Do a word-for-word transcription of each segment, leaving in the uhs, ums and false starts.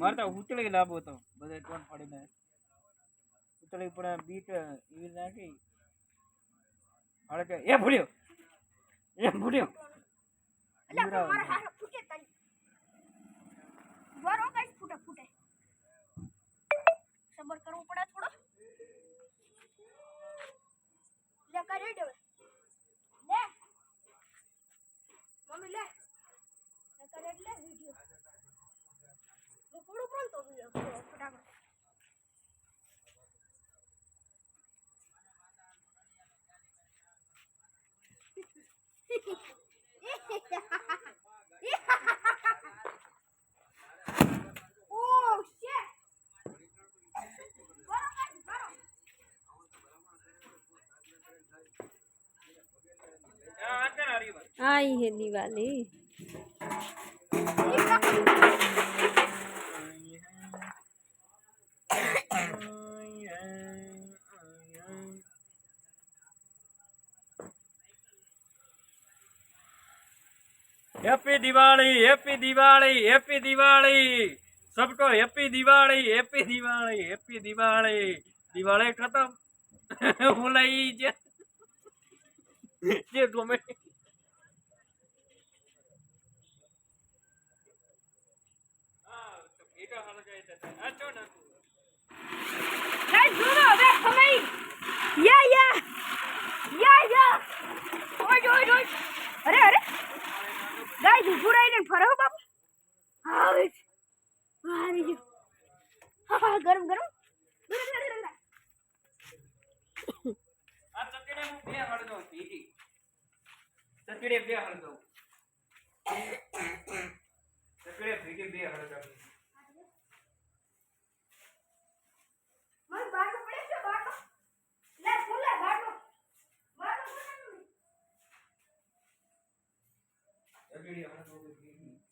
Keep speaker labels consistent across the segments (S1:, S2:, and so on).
S1: મારે તો ઉતળી લાવવો હતો બધે ટોન ફાડીને ઉતળી પણ બીટ એવી નાખી હાલે કે એ ભૂલ્યો એ ભૂલ્યો
S2: એટલે મારા હાથ ફૂટે તઈ વરો ગાઈસ ફૂટે ફૂટે સબર કરવું પડે થોડો લે કરી દે લે મમ્મી લે લે કરી લે વિડિયો હું થોડું પ્રોન્ટો વિડિયો ફટાફટ Oh shit!
S3: आई है Diwali
S1: happy Diwali happy Diwali happy Diwali सबको happy Diwali happy Diwali happy Diwali Diwali खत्म भुलाई जे जे तुम्हें हां तो वीडियो हाल गए थे अच्छा ना
S2: गाइस सुनो बे हमें या या या या ओए ओए ओए अरे अरे गाइस पूरा इधर फरो बाप हां अरे जी हां गरम गरम
S1: आ चकड़े में बे हड़ दो पीटी चकड़े बे हड़ दो चकड़े पीटी बे हड़ दो
S2: मैं बाहर को पड़े से बाहर को ले फुल ले बाहर को बाहर को
S1: चकड़े हड़ दो पीटी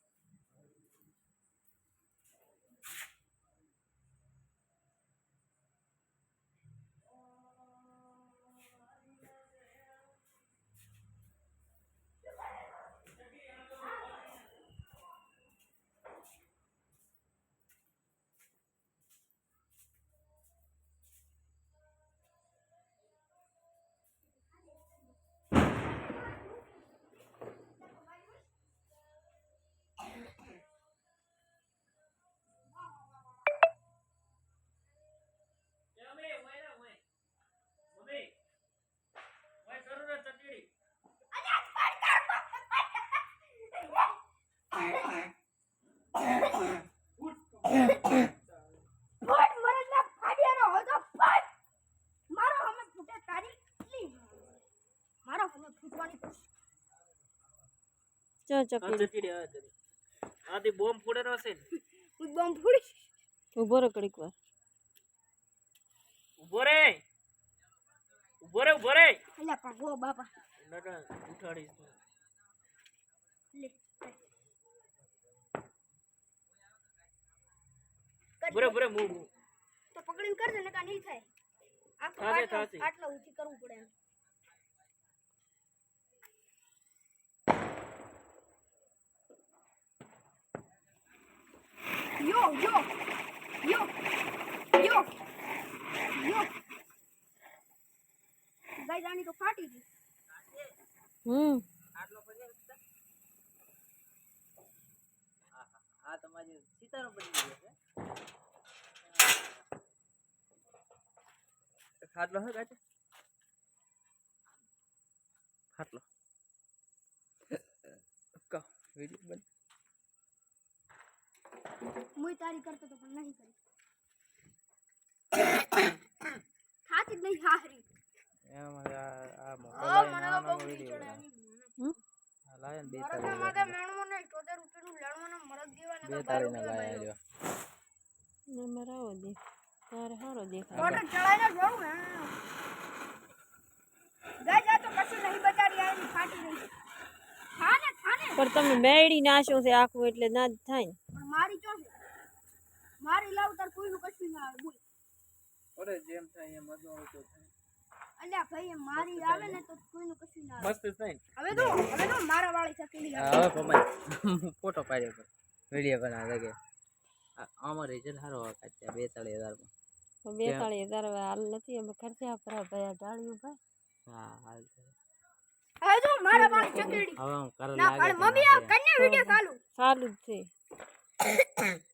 S2: फट मरे ना फाड़ियानो हो तो फट मारो हमें फूटे तारी मारो हमें फूटवानी
S3: चल चकड़ी
S1: चकड़ी आ जरी आधी बॉम्ब फोड़ेनो છે
S2: હું બોમ્બ ફોડી
S3: ઉભો રે કડીક વાર
S1: ઉભો રે ઉભો રે ઉભો રે
S2: અલ્યા પણ ઓ બાપા
S1: નકા ઉઠાડીશ
S2: લે
S1: બરે બરે મુ
S2: તો પકડીને કરજે નકા નહીં થાય આ તો
S1: થાશે,
S2: આટલા
S1: થાશે.
S2: આટલા ઊંચી કરવું પડે એમ यो यो यो यो यो गाइस आनी तो फाटी थी
S3: हम्म
S1: આટલો પછી આ તમારી સિતારો બની ગયો છે ખાટલો હે ગાજે ખાટલો કા વિડિયો બન
S2: मुई तारी करते तो पण नहीं करी खाती नहीं हारी
S1: એમ આ આ મોટો
S2: ओ
S1: લાઈન
S2: मने
S1: આનો
S2: तो बबली
S1: વિડિયો
S2: चढ़ानी
S3: हम्म
S1: આ લાઈન બે
S2: मारा
S1: તારી
S2: मागे मेणमो ने चौदह रुपया નું લેણવાનો મરદ દેવાને
S1: બે
S2: તો
S1: તારી
S2: બાર
S1: ના
S2: રૂપિયા
S1: લાયા
S2: મળ્યો.
S1: લ્યો
S3: नंबर आओ दे तारे हारो देखा
S2: टोटल चढ़ाઈને જોઉં ને ગાય જા તો કશું નહીં બચારી આની ફાટી રહી ખાને ખાને
S3: पर તમે મેડી નાશો છે આખું એટલે ના જ થાય ને
S2: પણ મારી ચો છે મારી લાવ તાર કોઈનું કશું ના આવે બોલ
S1: ઓરે જેમ થાય એમ મજો આવતો થાય
S2: અલ્યા ભાઈ એ મારી આવે ને તો કોઈનું કશું ના આવે
S1: મસ્ત થાય
S2: હવે તો હવે તો મારા વાળી ચકલી
S1: હા હવે પમાય ફોટો પાડ્યો વિડિયો બના લગે આમાં રિઝલ્ટ સારો આવે કાચ્યા બેતાળીસ હજારમાં.
S3: તો બેતાળીસ હજાર હવે હાલ નથી અમે ખર્ચા પર ભાઈ ડાળ્યું ભાઈ.
S1: હા હાલ છે.
S2: હવે જો મારા પાસે ચકડી
S1: હવે હું કર
S2: ના
S1: લાગે
S2: પણ મમ્મી આ કન્યા વિડિયો ચાલુ
S3: સારું જ છે.